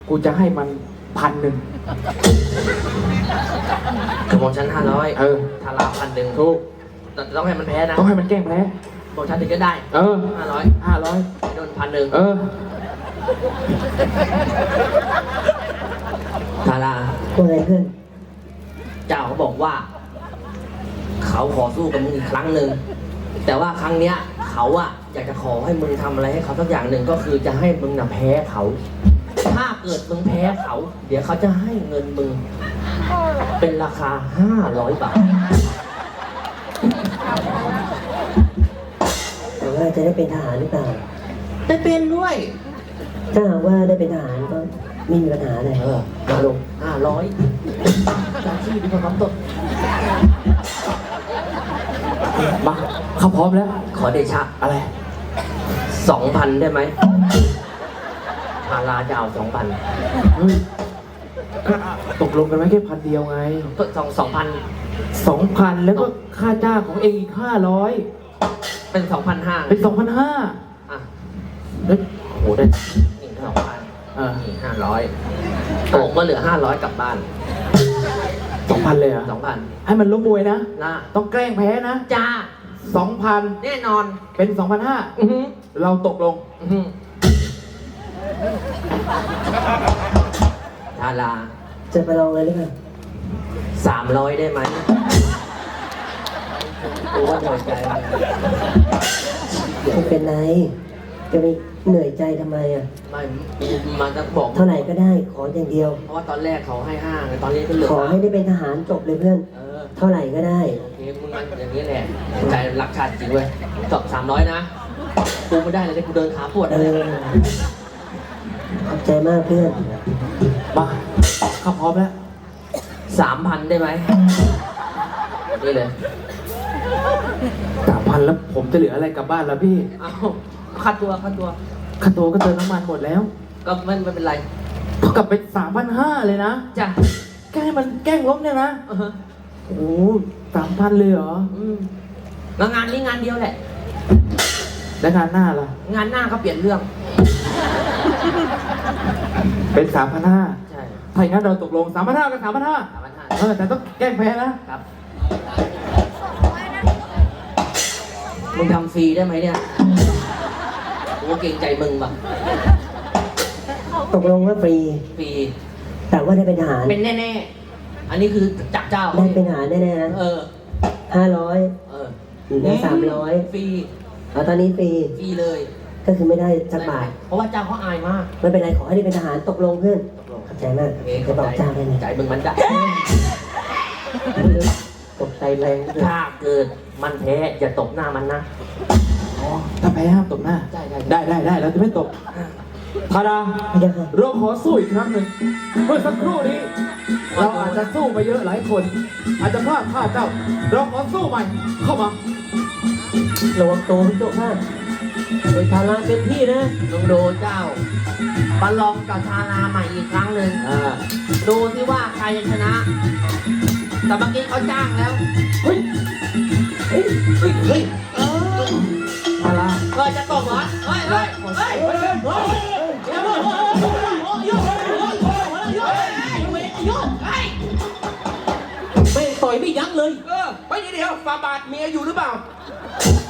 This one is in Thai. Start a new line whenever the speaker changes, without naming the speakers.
กูจะให้มัน1,000
กระบอกชั้น500ทารา1,000
ถูก
แต่ต้องให้มันแพ้นะ
ต้องให้มันแกล้งแพ้
บอกชั้นถึงจะได้
500
โดน1,000ทารา
ว่าไงเพื่อน
เจ้าเขาบอกว่าเขาขอสู้กับมึงอีกครั้งหนึ่งแต่ว่าครั้งเนี้ยเขาอะอยากจะขอให้มึงทำอะไรให้เขาสักอย่างหนึ่งก็คือจะให้มึงน่ะแพ้เขาถ้าเกิดมึงแพ้เขาเดี๋ยวเขาจะให้เงินมึงเป็นราคา500 บาท
แต่ว่าจะได้เป็นทหารหรือเปล่า
ได้เป็นด้วย
ถ้าหากว่าได้เป็นทหารก็ไม่มีปัญหาอะไร
มาลง500จากที่ดีกว่าคำตด
มาเขาพร้อมแล้ว
ขอเดชะ
อะไร
2,000ได้ไหมทาราจะเอา2,000
ตกลงกันไว้แค่1,000 เดียวไง
ก็2,000
แล้วก็ค่าจ้างของเองอีก500
เป็น2,500
เป็น2,500
อ่ะ
โหได้
นี่2,000นี่500โกงก็เหลือ500กลับบ้าน
2,000เลยเหรอ
2,000
ให้มันล้มมวยนะ
ต้อง
แกล้งแพ้นะ
จ้า
2,000
แน่นอน
เป็น2,500เราตกลง
ทารา
จะไปลองเลยหรือเปล่า
300ได้ไหมกูว่าเหนื่อยใจ
ไม่เป็นไรจะไปเหนื่อยใจทำไมอ่ะ
ไม่มันจะบอก
เท่าไหร่ก็ได้ขออย่างเดียว
เพราะว่าตอนแรกเขาให้5ตอนนี้ก็เหลือ
ขอให้ได้เป็นทหารจบเลยเพื่อนเท่าไหร่ก็ได้
โอเคมึงมันอย่างนี้แหละใจรักชาติจริงเว้ยจบ300นะกูไม่ได้เลยกูเดินขาปวดเลย
ขอบใจมากเพื่อน
มาเขาพร้อมแล้ว
3,000ได้ไหมนี่เลย
3,000แล้วผมจะเหลืออะไรกลับบ้านแล้วพี่
ค่าตัว
ก็เติมน้ำมันหมดแล้ว
ก็ไม่เป็นไร
เท่ากับเป็น3,500เลยนะ
จ้ะ
แกล้งมันแกล้งล้มเนี่ยนะโอ้3,000เลยเหรอ
แล้วงานนี้งานเดียวแหละ
แล้วงานหน้าล่ะ
งานหน้าก็เปลี่ยนเรื่อง
เป็น3,500
ใช่
ถ้าอย่างนั้นเราตกลง3,500กับ3,500แต่ต้องแกล้งแพ้นะครับ
มึงทำฟรีได้ไหมเนี่ยกูเกรงใจมึงป่ะ
ตกลงว่าฟรีแต่ว่าได้เป็นทหาร
เป็นแน่ๆอันนี้คือจับเจ้า
ได้เป็นทหารแน่ๆนะ500แล้ว300
ฟรี
ตอนนี้ฟรี
เลย
ก็คือไม่ได้สักบาท
เพราะว่าเจ้าเขาอายมาก
ไม่เป็นไรขอให้ได้เป็นทหารตกลงเพื่อนขอบใจมากจะบอกเจ้าได้ไหม
ใจมึงมันจะ
ตกใจแรง
ถ้าเกิดมันแพ้อย่าตบหน้ามันนะ
ถ้าแพ้ห้ามตบหน้าได้เราจะไม่ตบทาราเราขอสู้อีกครั้งหนึ่งเมื่อสักครู่นี้เราอาจจะสู้ไปเยอะหลายคนอาจจะพลาดท่าเจ้าเราขอสู้ใหม่เข้ามา
ระวังตัวพี่โจ้ข้าโดยทาราเต็มที่นะ
ลองดูเจ้าประลองกับทาราใหม่อีกครั้งหนึ่งดูที่ว่าใครจะชนะแต่เมื่อกี้เขาจ้างแล้ว
เฮ้ยทารา
จะตบเหรอ
ไม่ต่อยไม่ยั้งเลย
ไปเดี๋ยวฝ่าบาทเมียอยู่หรือเปล่า